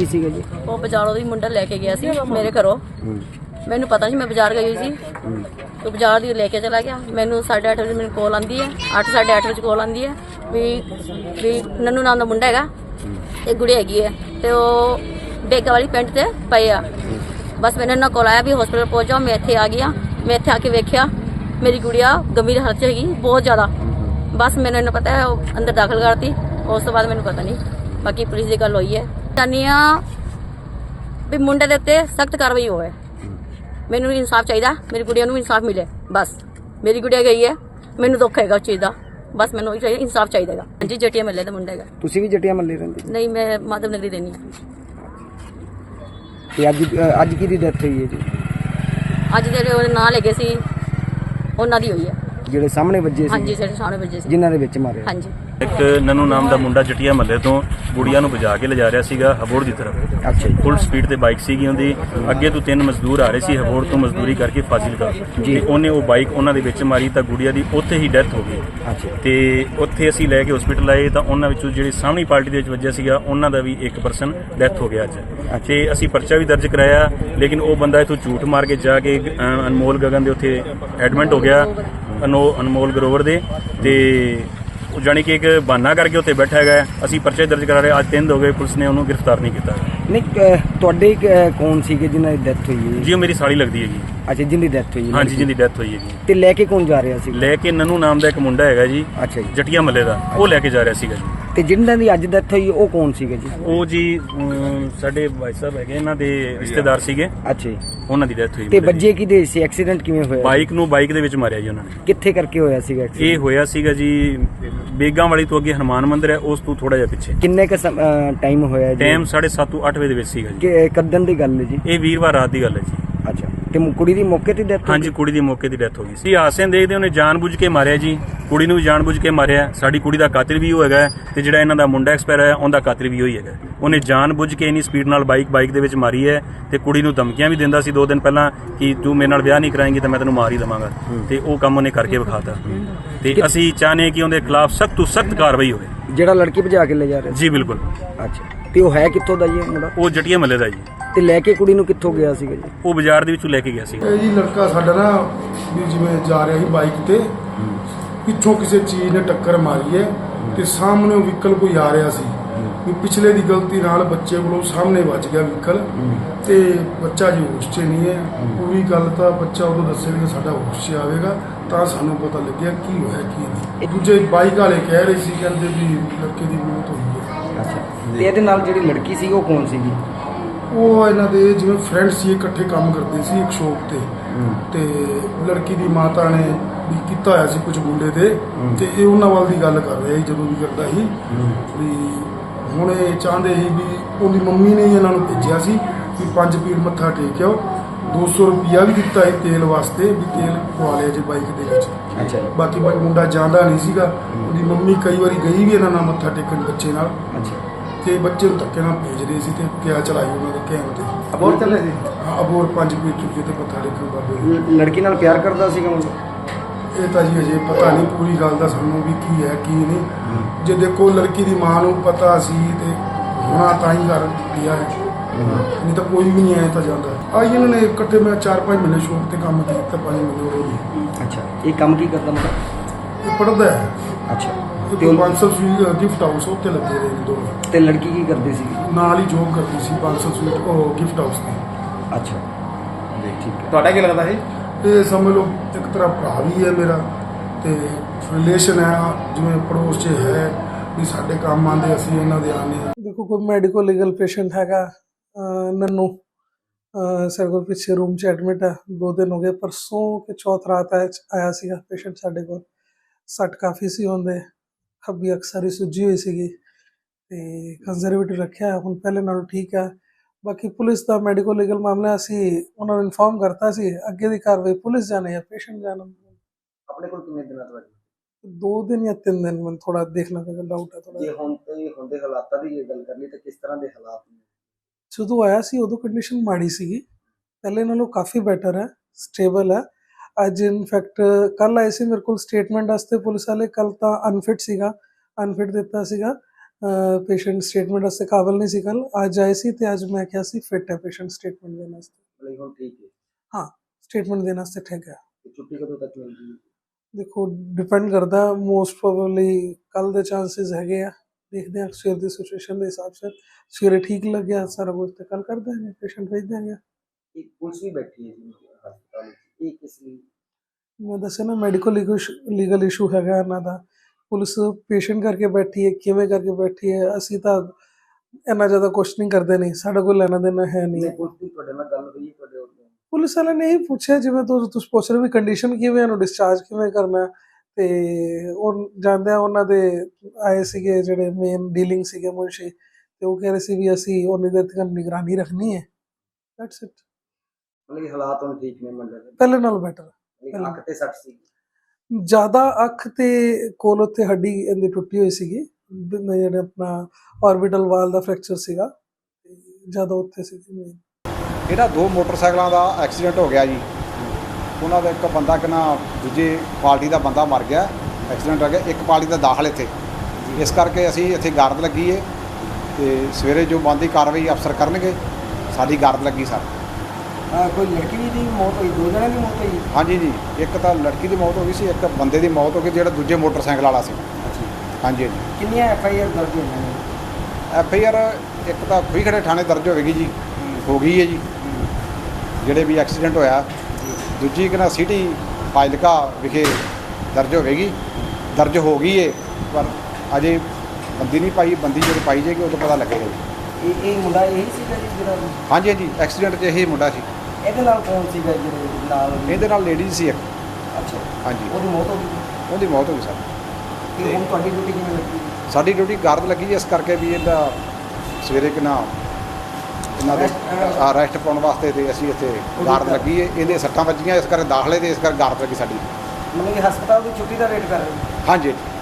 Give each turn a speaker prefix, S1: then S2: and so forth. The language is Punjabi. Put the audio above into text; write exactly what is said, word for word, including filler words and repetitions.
S1: ਕੀ ਸੀਗਾ ਜੀ?
S2: ਉਹ ਬਾਜ਼ਾਰੋਂ ਦੀ ਮੁੰਡਾ ਲੈ ਕੇ ਗਿਆ ਸੀ ਮੇਰੇ ਘਰੋਂ। ਮੈਨੂੰ ਪਤਾ ਨਹੀਂ, ਮੈਂ ਬਾਜ਼ਾਰ ਗਈ ਸੀ ਤੇ ਬਾਜ਼ਾਰ ਦੀ ਲੈ ਕੇ ਚਲਾ ਗਿਆ। ਮੈਨੂੰ ਸਾਢੇ ਅੱਠ ਵਜੇ ਮੈਨੂੰ ਕੋਲ ਆਂਦੀ ਹੈ, ਅੱਠ ਸਾਢੇ ਅੱਠ ਵਜੇ ਕੋਲ ਆਂਦੀ ਹੈ ਵੀ ਵੀ ਨੰਨੂ ਨਾਮ ਦਾ ਮੁੰਡਾ ਹੈਗਾ ਤੇ ਗੁੜੀ ਹੈਗੀ ਹੈ ਤੇ ਉਹ ਬੇਗਾ ਵਾਲੀ ਪਿੰਡ ਤੇ ਪਏ ਆ। ਬਸ ਮੈਨੂੰ ਨਾ ਕੋਲ ਆਇਆ ਵੀ ਹਸਪੀਟਲ ਪਹੁੰਚ ਜਾਓ। ਮੈਂ ਇੱਥੇ ਆ ਗਿਆ। ਮੈਂ ਇੱਥੇ ਆ ਕੇ ਵੇਖਿਆ ਮੇਰੀ ਗੁੜੀਆ ਗੰਭੀਰ ਹਾਲਤ 'ਚ ਹੈਗੀ, ਬਹੁਤ ਜ਼ਿਆਦਾ। ਬਸ ਮੈਨੂੰ ਇਹਨਾਂ ਪਤਾ ਹੈ ਉਹ ਅੰਦਰ ਦਾਖਲ ਕਰਤੀ। ਉਸ ਤੋਂ ਬਾਅਦ ਮੈਨੂੰ ਪਤਾ ਨਹੀਂ, ਬਾਕੀ ਪੁਲਿਸ ਦੀ ਗੱਲ ਹੋਈ ਹੈ। ਚਾਹੁੰਦੀ ਹਾਂ ਵੀ ਮੁੰਡੇ ਦੇ ਉੱਤੇ ਸਖਤ ਕਾਰਵਾਈ ਹੋਵੇ। ਮੈਨੂੰ ਇਨਸਾਫ ਚਾਹੀਦਾ, ਮੇਰੀ ਗੁੜੀਆ ਨੂੰ ਇਨਸਾਫ ਮਿਲੇ। ਬਸ ਮੇਰੀ ਗੁੜੀਆ ਗਈ ਹੈ, ਮੈਨੂੰ ਦੁੱਖ ਹੈਗਾ ਉਸ ਚੀਜ਼ ਦਾ। ਬਸ ਮੈਨੂੰ ਉਹੀ ਚਾਹੀਦਾ, ਇਨਸਾਫ ਚਾਹੀਦਾ ਹੈਗਾ। ਹਾਂਜੀ, ਜਟੀਆ ਮੱਲੇ ਦਾ ਮੁੰਡਾ ਹੈਗਾ।
S1: ਤੁਸੀਂ ਵੀ ਜਟੀਆ ਮੱਲੇ ਰਹਿੰਦੇ?
S2: ਨਹੀਂ, ਮੈਂ ਮਾਧਵ ਨਗਰੀ ਰਹਿੰਦੀ।
S1: ਤੇ ਅੱਜ ਅੱਜ ਕਿਹਦੀ ਡੈਥ ਹੋਈ ਹੈ ਜੀ?
S2: ਅੱਜ ਜਿਹੜੇ ਉਹਦੇ ਨਾਂ ਲੱਗੇ ਸੀ ਉਹਨਾਂ ਦੀ ਹੋਈ ਹੈ।
S1: ਜਿਹੜੇ ਸਾਹਮਣੇ ਵੱਜੇ ਸੀ?
S2: ਹਾਂਜੀ, ਜਿਹੜੇ ਸਾਹਮਣੇ ਵੱਜੇ ਸੀ,
S1: ਜਿਨ੍ਹਾਂ ਦੇ ਵਿੱਚ ਮਾਰੇ।
S2: ਹਾਂਜੀ।
S3: ਇੱਕ ਨਨੂ ਨਾਮ ਦਾ ਮੁੰਡਾ ਜਟੀਆ ਮਹੱਲੇ ਤੋਂ ਗੁੜੀਆ ਨੂੰ ਵਜਾ ਕੇ ਲਿਜਾ ਰਿਹਾ ਸੀਗਾ ਹਬੋੜ ਦੀ ਤਰਫ।
S1: ਅੱਛਾ ਜੀ।
S3: ਫੁੱਲ ਸਪੀਡ ਤੇ ਬਾਈਕ ਸੀਗੀ ਉਹਦੀ। ਅੱਗੇ ਤੋਂ ਤਿੰਨ ਮਜ਼ਦੂਰ ਆ ਰਹੇ ਸੀ ਹਬੋੜ ਤੋਂ ਮਜ਼ਦੂਰੀ ਕਰਕੇ ਫਾਜ਼ਿਲਕਾ, ਤੇ ਉਹਨੇ ਉਹ ਬਾਈਕ ਉਹਨਾਂ ਦੇ ਵਿੱਚ ਮਾਰੀ ਤਾਂ ਗੁੜੀਆ ਦੀ ਉੱਥੇ ਹੀ ਡੈਥ ਹੋ ਗਈ।
S1: ਅੱਛਾ।
S3: ਤੇ ਉੱਥੇ ਅਸੀਂ ਲੈ ਕੇ ਹਸਪੀਟਲ ਆਏ ਤਾਂ ਉਹਨਾਂ ਵਿੱਚੋਂ ਜਿਹੜੀ ਸਾਹਮਣੀ ਪਾਰਟੀ ਦੇ ਵਿੱਚ ਵੱਜਿਆ ਸੀਗਾ ਉਹਨਾਂ ਦਾ ਵੀ ਇੱਕ ਪਰਸਨ ਡੈਥ ਹੋ ਗਿਆ ਅੱਜ। ਤੇ ਅਸੀਂ ਪਰਚਾ ਵੀ ਦਰਜ ਕਰਾਇਆ, ਲੇਕਿਨ ਉਹ ਬੰਦਾ ਇੱਥੋਂ ਝੂਠ ਮਾਰ ਕੇ ਜਾ ਕੇ ਅ, ਅਨਮੋਲ ਗਗਨ ਦੇ ਉੱਥੇ ਐਡਮਿਟ ਹੋ ਗਿਆ, ਅਨੋ ਅਨਮੋਲ ਗਰੋਵਰ ਦੇ। ਤੇ ਜਾਣੀ ਕਿ ਇੱਕ ਬਹਾਨਾ ਕਰਕੇ ਉੱਥੇ ਬੈਠਾ ਹੈਗਾ। ਅਸੀਂ ਪਰਚੇ ਦਰਜ ਕਰਾ ਰਹੇ, ਅੱਜ ਤਿੰਨ ਹੋ ਗਏ, ਪੁਲਿਸ ਨੇ ਉਹਨੂੰ ਗ੍ਰਿਫਤਾਰ ਨਹੀਂ ਕੀਤਾ।
S1: ਨਹੀਂ, ਅਹ, ਤੁਹਾਡੇ ਅਹ, ਕੌਣ ਸੀਗੇ ਜਿਨ੍ਹਾਂ ਦੀ ਡੈਥ ਹੋਈ ਹੈ?
S3: ਜੀ ਉਹ ਮੇਰੀ ਸਾਲੀ ਲੱਗਦੀ ਹੈਗੀ।
S1: ਅੱਛਾ, ਜਿੰਦੀ ਡੈਥ ਹੋਈ ਹੈ?
S3: ਹਾਂਜੀ, ਜਿੰਦੀ ਡੈਥ ਹੋਈ ਹੈਗੀ।
S1: ਤੇ ਲੈ ਕੇ ਕੌਣ ਜਾ ਰਿਹਾ ਸੀ?
S3: ਲੈ ਕੇ ਨਨੂ ਨਾਮ ਦਾ ਇੱਕ ਮੁੰਡਾ ਹੈਗਾ ਜੀ।
S1: ਅੱਛਾ ਜੀ।
S3: ਜਟੀਆ ਮੱਲੇ ਦਾ, ਉਹ ਲੈ ਕੇ ਜਾ ਰਿਹਾ ਸੀਗਾ ਜੀ।
S1: ਤੇ ਜਿਨ੍ਹਾਂ ਦੀ ਅੱਜ ਡੈਥ ਹੋਈ ਉਹ ਕੌਣ ਸੀਗੇ ਜੀ?
S3: ਉਹ ਜੀ ਅਮ, ਸਾਡੇ ਭਾਈ ਸਾਹਿਬ ਹੈਗੇ, ਇਹਨਾਂ ਦੇ ਰਿਸ਼ਤੇਦਾਰ ਸੀਗੇ,
S1: ਅੱਛਾ ਜੀ।
S3: ਉਹਨਾਂ ਦੀ ਡੈਥ ਹੋਈ।
S1: ਤੇ ਵੱਜੇ ਕਿਹਦੇ ਸੀ? ਐਕਸੀਡੈਂਟ ਕਿਵੇਂ ਹੋਇਆ?
S3: ਬਾਈਕ ਨੂੰ ਬਾਈਕ ਦੇ ਵਿੱਚ ਮਾਰਿਆ ਜੀ ਉਹਨਾਂ ਨੇ।
S1: ਕਿੱਥੇ ਕਰਕੇ ਹੋਇਆ ਸੀਗਾ ਐਕਸੀਡੈਂਟ?
S3: ਇਹ ਹੋਇਆ ਸੀਗਾ ਜੀ ਬੇਗਾਂ ਵਾਲੀ ਤੋਂ ਅੱਗੇ ਹਨੂਮਾਨ ਮੰਦਿਰ ਹੈ, ਉਸ ਤੋਂ ਥੋੜਾ ਜਿਹਾ ਪਿੱਛੇ।
S1: ਕਿੰਨੇ ਕ ਟਾਈਮ ਹੋਇਆ ਜੀ?
S3: ਟਾਈਮ ਸਾਢੇ ਸੱਤ ਤੋਂ ਅੱਠ ਵਜੇ ਦੇ ਵਿੱਚ ਸੀਗਾ ਜੀ।
S1: ਕਿ ਕਦੋਂ ਦੀ ਗੱਲ ਹੈ ਜੀ?
S3: ਇਹ ਵੀਰਵਾਰ ਰਾਤ ਦੀ ਗੱਲ ਹੈ ਜੀ।
S1: ਅੱਛਾ। ਤੇ ਕੁੜੀ ਦੀ ਮੌਕੇ ਤੇ ਡੈਥ?
S3: ਹਾਂਜੀ, ਕੁੜੀ ਦੀ ਮੌਕੇ ਦੀ ਡੈਥ ਹੋ ਗਈ ਸੀ। ਹਾਸਿਆਂ ਦੇਖਦੇ ਉਹਨੇ ਜਾਣਬੁੱਝ ਕੇ ਮਾਰਿਆ ਜੀ, ਕੁੜੀ ਨੂੰ ਵੀ ਜਾਣਬੁੱਝ ਕੇ ਮਾਰਿਆ। ਸਾਡੀ ਕੁੜੀ ਦਾ ਕਾਤਿਲ ਵੀ ਉਹ ਹੈਗਾ, ਤੇ ਜਿਹੜਾ ਇਹਨਾਂ ਦਾ ਮੁੰਡਾ ਐਕਸਪਾਇਰ ਹੋਇਆ ਉਹਦਾ ਕਾਤਿਲ ਵੀ ਉਹੀ ਹੈਗਾ। ਉਹਨੇ ਜਾਣਬੁੱਝ ਕੇ ਇੰਨੀ ਸਪੀਡ ਨਾਲ ਬਾਈਕ ਬਾਈਕ ਦੇ ਵਿੱਚ ਮਾਰੀ ਹੈ, ਤੇ ਕੁੜੀ ਨੂੰ ਧਮਕੀਆਂ ਵੀ ਦਿੰਦਾ ਸੀ ਦੋ ਦਿਨ ਪਹਿਲਾਂ ਕਿ ਤੂੰ ਮੇਰੇ ਨਾਲ ਵਿਆਹ ਨਹੀਂ ਕਰਾਏਂਗੀ ਤਾਂ ਮੈਂ ਤੈਨੂੰ ਮਾਰ ਹੀ ਦੇਵਾਂਗਾ। ਤੇ ਉਹ ਕੰਮ ਉਹਨੇ ਕਰਕੇ ਵਿਖਾਤਾ। ਤੇ ਅਸੀਂ ਚਾਹੁੰਦੇ ਕਿ ਉਹਦੇ ਖਿਲਾਫ ਸਖਤ ਤੋਂ ਸਖਤ ਕਾਰਵਾਈ ਹੋਵੇ।
S1: ਜਿਹੜਾ ਲੜਕੀ ਭਜਾ ਕੇ ਲੈ ਜਾ ਰਿਹਾ ਸੀ?
S3: ਜੀ ਬਿਲਕੁਲ।
S1: ਅੱਛਾ। ਤੇ ਉਹ ਹੈ ਕਿੱਥੋਂ ਦਾ ਜੀ ਇਹ ਮੁੰਡਾ?
S3: ਉਹ ਜਟੀਆ ਮੱਲੇ ਦਾ ਜੀ।
S1: ਤੇ ਲੈ ਕੇ ਕੁੜੀ ਨੂੰ ਕਿੱਥੋਂ ਗਿਆ ਸੀਗਾ ਜੀ?
S3: ਉਹ ਬਾਜ਼ਾਰ ਦੇ ਵਿੱਚੋਂ ਲੈ ਕੇ ਗਿਆ ਸੀ।
S4: ਇਹ ਜੀ ਲੜਕਾ ਸਾਡਾ ਨਾ ਵੀ ਜਿਵੇਂ ਜਾ ਰਿਹਾ ਸੀ ਬਾਈਕ ਤੇ, ਪਿੱਛੋਂ ਕਿਸੇ ਚੀਜ਼ ਨੇ ਟੱਕਰ ਮਾਰੀ ਹੈ ਤੇ ਸਾਹਮਣੇ ਵਹੀਕਲ ਕੋਈ ਆ ਰਿਹਾ ਸੀ ਵੀ ਪਿਛਲੇ ਦੀ ਗਲਤੀ ਨਾਲ ਬੱਚੇ ਕੋਲੋਂ ਸਾਹਮਣੇ ਵੱਜ ਗਿਆ ਵਹੀਕਲ, ਤੇ ਬੱਚਾ ਜੀ ਹੋਸ਼ 'ਚ ਨਹੀਂ ਹੈ। ਪੂਰੀ ਗੱਲ ਤਾਂ ਬੱਚਾ ਉਦੋਂ ਦੱਸੇਗਾ ਕਿ ਸਾਡਾ ਹੋਸ਼ 'ਚ ਆਵੇਗਾ ਤਾਂ ਸਾਨੂੰ ਪਤਾ ਲੱਗਿਆ ਕੀ ਹੋਇਆ ਕੀ ਨਹੀਂ। ਦੂਜੇ ਬਾਈਕ ਵਾਲੇ ਕਹਿ ਰਹੇ ਸੀ, ਕਹਿੰਦੇ ਵੀ ਲੜਕੇ ਦੀ ਮੌਤ ਹੋਈ ਹੈ।
S1: ਅੱਛਾ। ਤੇ ਇਹਦੇ ਨਾਲ ਜਿਹੜੀ ਲੜਕੀ ਸੀ ਉਹ ਕੌਣ ਸੀਗੀ? ਉਹ
S4: ਇਹਨਾਂ ਦੇ ਜਿਵੇਂ ਫਰੈਂਡ ਸੀ, ਇਕੱਠੇ ਕੰਮ ਕਰਦੇ ਸੀ ਇੱਕ ਸ਼ੌਪ ਤੇ। ਤੇ ਲੜਕੀ ਦੀ ਮਾਤਾ ਨੇ ਵੀ ਕੀਤਾ ਹੋਇਆ ਸੀ ਕੁਝ ਮੁੰਡੇ ਦੇ, ਤੇ ਇਹ ਉਹਨਾਂ ਵੱਲ ਦੀ ਗੱਲ ਕਰ ਰਿਹਾ ਸੀ ਜਦੋਂ ਵੀ ਕਰਦਾ ਸੀ ਵੀ ਹੁਣ ਇਹ ਚਾਹੁੰਦੇ ਸੀ ਵੀ ਉਹਦੀ ਮੰਮੀ ਨੇ ਇਹਨਾਂ ਨੂੰ ਭੇਜਿਆ ਸੀ ਵੀ ਪੰਜ ਪੀਰ ਮੱਥਾ ਟੇਕ ਆਓ। ਦੋ ਸੌ ਰੁਪਈਆ ਵੀ ਦਿੱਤਾ ਸੀ ਤੇਲ ਵਾਸਤੇ ਵੀ ਤੇਲ ਪਵਾ ਲਿਆ ਜੇ ਬਾਈਕ ਦੇ ਵਿੱਚ।
S1: ਅੱਛਾ।
S4: ਬਾਕੀ ਬਾਈ ਮੁੰਡਾ ਜਾਂਦਾ ਨਹੀਂ ਸੀਗਾ। ਉਹਦੀ ਮੰਮੀ ਕਈ ਵਾਰੀ ਗਈ ਵੀ ਇਹਨਾਂ ਨਾਲ ਮੱਥਾ ਟੇਕਣ ਬੱਚੇ ਨਾਲ।
S1: ਅੱਛਾ।
S4: ਤੇ ਬੱਚੇ ਨੂੰ ਧੱਕੇ ਨਾਲ ਭੇਜ ਰਹੇ ਸੀ ਤੇ ਕਿਆ ਚਲਾਈ ਉਹਨਾਂ ਦੇ ਕਹਿਣ ਤੇ।
S1: ਅਬੋਰ ਚੱਲੇ ਸੀ?
S4: ਹਾਂ, ਅਬੋਰ ਪੰਜ ਪੀਰ ਚੁੱਕੇ ਤੇ ਮੱਥਾ ਟੇਕਣ ਬਾਬੇ।
S1: ਲੜਕੀ ਨਾਲ ਪਿਆਰ ਕਰਦਾ ਸੀਗਾ ਮੁੰਡਾ?
S4: ਇਹ ਤਾਂ ਜੀ ਅਜੇ ਪਤਾ ਨਹੀਂ ਪੂਰੀ ਗੱਲ ਦਾ ਸਾਨੂੰ ਵੀ ਕੀ ਹੈ ਕੀ ਨਹੀਂ। ਜੇ ਦੇਖੋ ਲੜਕੀ ਦੀ ਮਾਂ ਨੂੰ ਪਤਾ ਸੀ ਤੇ ਹੁਣਾ ਤਾਂ ਹੀ ਕਰ ਲਿਆ ਹੈ, ਨਹੀਂ ਤਾਂ ਕੋਈ ਵੀ ਨਹੀਂ ਆਇਆ ਤਾਂ ਜਾਂਦਾ। ਆ ਇਹਨਾਂ ਨੇ ਇਕੱਠੇ ਮੈਂ ਚਾਰ ਪੰਜ ਮਹੀਨੇ ਸ਼ੌਪ ਤੇ ਕੰਮ ਕੀਤਾ, ਪੰਜ ਮਹੀਨੇ ਹੋ ਗਏ।
S1: ਅੱਛਾ। ਇਹ ਕੰਮ ਕੀ ਕਰਦਾ ਮੁੰਡਾ?
S4: ਇਹ ਪੜ੍ਹਦਾ ਹੈ।
S1: ਅੱਛਾ।
S4: ਤੇ ਪੰਜ ਸੌ ਸਵੀਟ ਗਿਫਟ ਹਾਊਸ ਉੱਤੇ ਲੱਗੇ ਰਹੇ ਨੇ ਦੋਵੇਂ।
S1: ਤੇ ਲੜਕੀ ਕੀ ਕਰਦੀ ਸੀ?
S4: ਨਾਲ ਹੀ ਜੋਬ ਕਰਦੀ ਸੀ ਪੰਜ ਸੌ ਸਵੀਟ ਉਹ ਗਿਫਟ ਹਾਊਸ ਦੀ।
S1: ਅੱਛਾ। ਠੀਕ ਹੈ।
S5: ਤੁਹਾਡਾ ਕੀ ਲੱਗਦਾ ਸੀ?
S4: ਇਹ ਸਮਝ ਲਓ ਇੱਕ ਤਰ੍ਹਾਂ ਭਰਾ ਵੀ ਹੈ ਮੇਰਾ, ਤੇ ਰਿਲੇਸ਼ਨ ਹੈ ਜਿਵੇਂ ਪੜੋਸ 'ਚ ਹੈ ਵੀ ਸਾਡੇ ਕੰਮ ਆਉਂਦੇ, ਅਸੀਂ ਇਹਨਾਂ ਦੇ ਆਉਂਦੇ ਹਾਂ।
S6: देखो कोई मेडिकल लीगल पेशेंट हैगा नन्नू ਸਾਡੇ ਕੋਲ ਪਿੱਛੇ रूम 'ਚ एडमिट है। दो दिन हो गए, परसों के चौथ रात आया आया ਸੀਗਾ पेशेंट ਸਾਡੇ ਕੋਲ। सट काफ़ी ਸੀ ਹੁੰਦੇ, ਖੱਬੀ ਅੱਖ ਸਾਰੀ ਸੁੱਜੀ ਹੋਈ ਸੀਗੀ ਤੇ ਕੰਜ਼ਰਵੇਟਿਵ ਰੱਖਿਆ। ਹੁਣ ਪਹਿਲੇ ਨਾਲੋਂ ਠੀਕ ਹੈ। ਬਾਕੀ ਪੁਲਿਸ ਦਾ ਮੈਡੀਕਲ ਲੀਗਲ ਮਾਮਲਾ ਅਸੀਂ ਉਹਨਾਂ ਨੂੰ ਇਨਫੋਰਮ ਕਰਤਾ ਸੀ। ਅੱਗੇ ਦੀ ਕਾਰਵਾਈ ਪੁਲਿਸ ਜਾਣੇ ਜਾਂ ਪੇਸ਼ੈਂਟ ਜਾਣਾ।
S1: ਆਪਣੇ ਕੋਲ ਕਿੰਨੇ ਦਿਨਾਂ ਤੋਂ?
S6: ਦੋ ਦਿਨ ਜਾਂ ਤਿੰਨ ਦਿਨ ਮੈਨੂੰ ਥੋੜਾ ਦੇਖਣਾ ਪੈਗਾ, ਡਾਊਟ ਹੈ ਥੋੜਾ।
S1: ਜੇ ਹੁਣ ਤੇ ਹੁੰਦੇ ਹਾਲਾਤਾਂ ਦੀ ਗੱਲ ਕਰ ਲਈ ਤਾਂ ਕਿਸ ਤਰ੍ਹਾਂ ਦੇ ਹਾਲਾਤ ਨੇ?
S6: ਜਦੋਂ ਆਇਆ ਸੀ ਉਦੋਂ ਕੰਡੀਸ਼ਨ ਮਾੜੀ ਸੀਗੀ, ਪਹਿਲੇ ਨਾਲੋਂ ਕਾफ़ੀ ਬੈਟਰ ਹੈ, ਸਟੇਬਲ ਹੈ। ਅੱਜ ਇਨਫੈਕਟ ਕੱਲ ਆਏ ਸੀ ਮੇਰੇ ਕੋਲ ਸਟੇਟਮੈਂਟ ਵਾਸਤੇ ਪੁਲਿਸ ਵਾਲੇ। ਕੱਲ ਤਾਂ ਅਨਫਿਟ ਸੀਗਾ, ਅਨਫਿਟ ਦਿੱਤਾ ਸੀਗਾ। ਪੇਸ਼ੈਂਟ ਸਟੇਟਮੈਂਟ ਵਾਸਤੇ ਕਾਬਲ ਨਹੀਂ ਸੀ ਕੱਲ, ਅੱਜ ਆਏ ਸੀ ਤੇ ਅੱਜ ਮੈਂ ਕਿਹਾ ਸੀ ਫਿੱਟ ਹੈ ਪੇਸ਼ੈਂਟ ਸਟੇਟਮੈਂਟ ਦੇਣ ਵਾਸਤੇ।
S1: ਮਤਲਬ ਹੁਣ ਠੀਕ ਹੈ
S6: ਹਾਂ, ਸਟੇਟਮੈਂਟ ਦੇਣ ਵਾਸਤੇ ਠੀਕ ਹੈ।
S1: ਤੇ ਛੁੱਟੀ ਕਦੋਂ ਤੱਕ ਮਿਲਦੀ?
S6: ਦੇਖੋ ਡਿਪੈਂਡ ਕਰਦਾ, ਮੋਸਟ ਪ੍ਰੋਬੇਬਲੀ ਕੱਲ ਦੇ ਚਾਂਸਸ ਹੈਗੇ ਆ, ਦੇਖਦੇ ਹਾਂ ਸਵੇਰ ਦੀ ਸਿਚੁਏਸ਼ਨ ਦੇ ਹਿਸਾਬ ਸੇ। ਸਵੇਰੇ ਠੀਕ ਲੱਗਿਆ ਸਾਰਾ ਕੁਝ ਤੇ ਕੱਲ ਕਰ ਦਾਂਗੇ, ਪੇਸ਼ੈਂਟ ਭੇਜ ਦਾਂਗੇ।
S1: ਇੱਕ ਪੁਲਿਸ ਵੀ ਬੈਠੀ ਹੈ ਜੀ ਹਸਪਤਾਲ ਵਿੱਚ, ਇਹ ਕਿਸ ਲਈ?
S6: ਮੈਂ ਦੱਸਿਆ ਨਾ ਮੈਡੀਕਲ ਲੀਗਲ ਇਸ਼ੂ ਹੈਗਾ ਇਹਨਾਂ ਦਾ। ਪੁਲਿਸ ਪੇਸ਼ੈਂਟ ਕਰਕੇ ਬੈਠੀ ਹੈ, ਕਿਵੇਂ ਕਰਕੇ ਬੈਠੀ ਹੈ, ਅਸੀਂ ਤਾਂ ਇੰਨਾ ਜ਼ਿਆਦਾ ਕੁਐਸਚਨਿੰਗ ਕਰਦੇ ਨਹੀਂ, ਸਾਡੇ ਕੋਲ ਲੈਣਾ ਦੇਣਾ ਹੈ ਨਹੀਂ।
S1: ਪੁਲਿਸ ਦੀ ਤੁਹਾਡੇ ਨਾਲ ਗੱਲ ਹੋਈ ਤੁਹਾਡੇ ਵੱਲੋਂ?
S6: ਪੁਲਿਸ ਵਾਲਿਆਂ ਨੇ ਇਹ ਪੁੱਛਿਆ ਜਿਵੇਂ ਤੁਸੀਂ ਤੁਸੀਂ ਪੁੱਛ ਰਹੇ ਵੀ ਕੰਡੀਸ਼ਨ ਕਿਵੇਂ, ਇਹਨੂੰ ਡਿਸਚਾਰਜ ਕਿਵੇਂ ਕਰਨਾ, ਤੇ ਉਹ ਜਾਂਦਿਆਂ ਉਹਨਾਂ ਦੇ ਆਏ ਸੀਗੇ ਜਿਹੜੇ ਮੇਨ ਡੀਲਿੰਗ ਸੀਗੇ ਮੁਨਸ਼ੀ, ਤੇ ਉਹ ਕਹਿ ਰਹੇ ਸੀ ਵੀ ਅਸੀਂ ਉਹਨੇ ਦੇ ਤੱਕ ਨਿਗਰਾਨੀ ਰੱਖਣੀ ਹੈ। That's it.
S1: ਮਤਲਬ ਕਿ ਹਾਲਾਤ ਹੁਣ ਠੀਕ ਨੇ ਮੁੰਡੇ ਦੇ?
S6: ਪਹਿਲੇ ਨਾਲੋਂ ਬੈਟਰ।
S1: ਅੱਖ ਤੇ ਸੱਟ ਸੀ?
S6: ਜ਼ਿਆਦਾ ਅੱਖ ਤੇ ਕੋਲ ਉੱਥੇ ਹੱਡੀ ਇਹਦੀ ਟੁੱਟੀ ਹੋਈ ਸੀਗੀ, ਜਿਹੜੇ ਆਪਣਾ ਆਰਬਿਟਲ ਵਾਲ ਦਾ ਫ੍ਰੈਕਚਰ ਸੀਗਾ, ਜ਼ਿਆਦਾ ਉੱਥੇ ਸੀਗੀ ਮੇਨ।
S5: ਇਹਦਾ ਦੋ ਮੋਟਰਸਾਈਕਲਾਂ ਦਾ ਐਕਸੀਡੈਂਟ ਹੋ ਗਿਆ ਜੀ। ਉਹਨਾਂ ਦਾ ਇੱਕ ਬੰਦਾ ਕਿਨਾ ਦੂਜੀ ਪਾਰਟੀ ਦਾ ਬੰਦਾ ਮਰ ਗਿਆ, ਐਕਸੀਡੈਂਟ ਹੋ ਗਿਆ, ਇੱਕ ਪਾਰਟੀ ਦਾ ਦਾਖਲ ਇੱਥੇ। ਇਸ ਕਰਕੇ ਅਸੀਂ ਇੱਥੇ ਗਾਰਡ ਲੱਗੀ ਹੈ ਤੇ ਸਵੇਰੇ ਜੋ ਬਣਦੀ ਕਾਰਵਾਈ ਅਫਸਰ ਕਰਨਗੇ। ਸਾਡੀ ਗਾਰਡ ਲੱਗੀ ਸਰ।
S1: ਕੋਈ ਲੜਕੀ ਦੀ ਮੌਤ ਹੋਈ, ਦੋ ਜਣਿਆਂ ਦੀ ਮੌਤ ਹੋਈ?
S5: ਹਾਂਜੀ ਜੀ, ਇੱਕ ਤਾਂ ਲੜਕੀ ਦੀ ਮੌਤ ਹੋ ਗਈ ਸੀ, ਇੱਕ ਬੰਦੇ ਦੀ ਮੌਤ ਹੋ ਗਈ ਜਿਹੜਾ ਦੂਜੇ ਮੋਟਰਸਾਈਕਲ ਵਾਲਾ ਸੀ। ਹਾਂਜੀ ਹਾਂਜੀ।
S1: ਕਿੰਨੀਆਂ ਐਫ ਆਈ ਆਰ ਦਰਜ ਹੋਈਆਂ ਨੇ?
S5: ਐਫ ਆਈ ਆਰ ਇੱਕ ਤਾਂ ਖੂਹੀ ਥਾਣੇ ਦਰਜ ਹੋਵੇਗੀ ਜੀ, ਹੋ ਗਈ ਹੈ ਜੀ, ਜਿਹੜੇ ਵੀ ਐਕਸੀਡੈਂਟ ਹੋਇਆ। ਦੂਜੀ ਕਿ ਨਾ ਸਿਟੀ ਫਾਜ਼ਿਲਕਾ ਵਿਖੇ ਦਰਜ ਹੋਵੇਗੀ, ਦਰਜ ਹੋ ਗਈ ਹੈ, ਪਰ ਅਜੇ ਬੰਦੀ ਨਹੀਂ ਪਾਈ। ਬੰਦੀ ਜਦੋਂ ਪਾਈ ਜਾਏਗੀ ਉਦੋਂ ਪਤਾ ਲੱਗੇਗਾ ਜੀ।
S1: ਇਹ ਇਹ ਮੁੰਡਾ ਇਹੀ ਸੀਗਾ ਜੀ ਜਿਹੜਾ?
S5: ਹਾਂਜੀ ਹਾਂਜੀ, ਐਕਸੀਡੈਂਟ 'ਚ ਇਹੀ ਮੁੰਡਾ ਸੀ।
S1: ਇਹਦੇ ਨਾਲ ਕੌਣ ਸੀਗਾ ਜਿਹੜੇ ਨਾਲ?
S5: ਇਹਦੇ ਨਾਲ ਲੇਡੀਜ਼ ਸੀ ਇੱਕ।
S1: ਅੱਛਾ।
S5: ਹਾਂਜੀ,
S1: ਉਹਦੀ ਮੌਤ ਹੋ ਗਈ?
S5: ਉਹਦੀ ਮੌਤ ਹੋ ਗਈ ਸਰ।
S1: ਤੇ ਹੁਣ ਤੁਹਾਡੀ ਡਿਊਟੀ ਕਿਵੇਂ ਲੱਗੀ?
S5: ਸਾਡੀ ਡਿਊਟੀ ਗਾਰਡ ਲੱਗੀ ਹੈ, ਇਸ ਕਰਕੇ ਵੀ ਇਹਦਾ ਸਵੇਰੇ ਕਿ ਨਾ ਇਹਨਾਂ ਦੇ ਅਰੈਸਟ ਪਾਉਣ ਵਾਸਤੇ ਤੇ ਅਸੀਂ ਇੱਥੇ ਗਾਰਡ ਲੱਗੀ ਹੈ। ਇਹਦੇ ਸੱਟਾਂ ਵੱਜੀਆਂ, ਇਸ ਕਰਕੇ ਦਾਖਲੇ ਤੇ ਇਸ ਕਰਕੇ ਗਾਰਡ ਲੱਗੀ ਸਾਡੀ।
S1: ਮਤਲਬ ਕਿ ਹਸਪਤਾਲ ਦੀ ਛੁੱਟੀ ਦਾ ਵੇਟ ਕਰ ਰਹੇ?
S5: ਹਾਂਜੀ।